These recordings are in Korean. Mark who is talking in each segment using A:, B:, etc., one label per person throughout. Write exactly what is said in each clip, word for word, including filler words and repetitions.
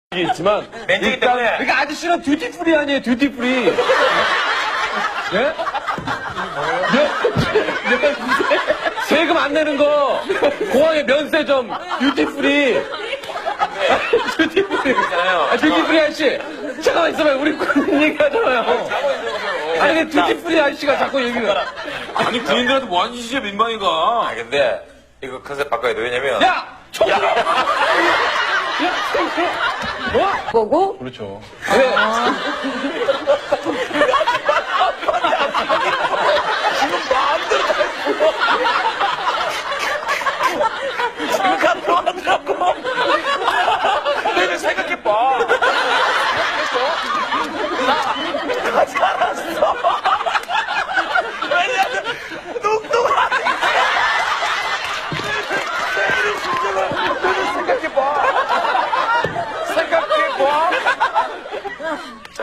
A: 게 있지만
B: 맨지기 때문에.
A: 그러니까 아저씨는 듀티프리 아니에요, 듀티프리. 예? 면, 세금 안 내는 거 공항에 면세점 듀티프리. 듀티프리
B: 있잖아요.
A: 아, 듀티프리 아저씨 잠깐만 있어봐요. 우리 군인 얘기하잖아요. 아니 근데 듀티프리 아저씨가 자꾸 얘기를.
C: 아니 군인들한테 뭐 하는 짓이야 민망이가.
B: 아 근데 이거 컨셉 바꿔야 돼. 왜냐면
A: 야! 총! 야! 야! 뭐?
D: 거고
A: 그렇죠. 네.
B: 내가 생각해봐. 나 살았어. 왜냐면 뚱뚱하니까. 내일의 심정을 너는 생각해봐. 생각해봐. 자.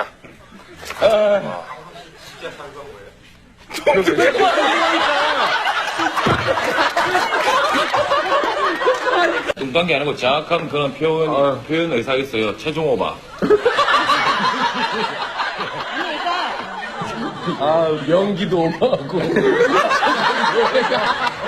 C: 뚱딴 게 아니고 정확한 그런 표현, 표현 의사가 있어요. 체중 오바.
A: 아, 명기도 오가고.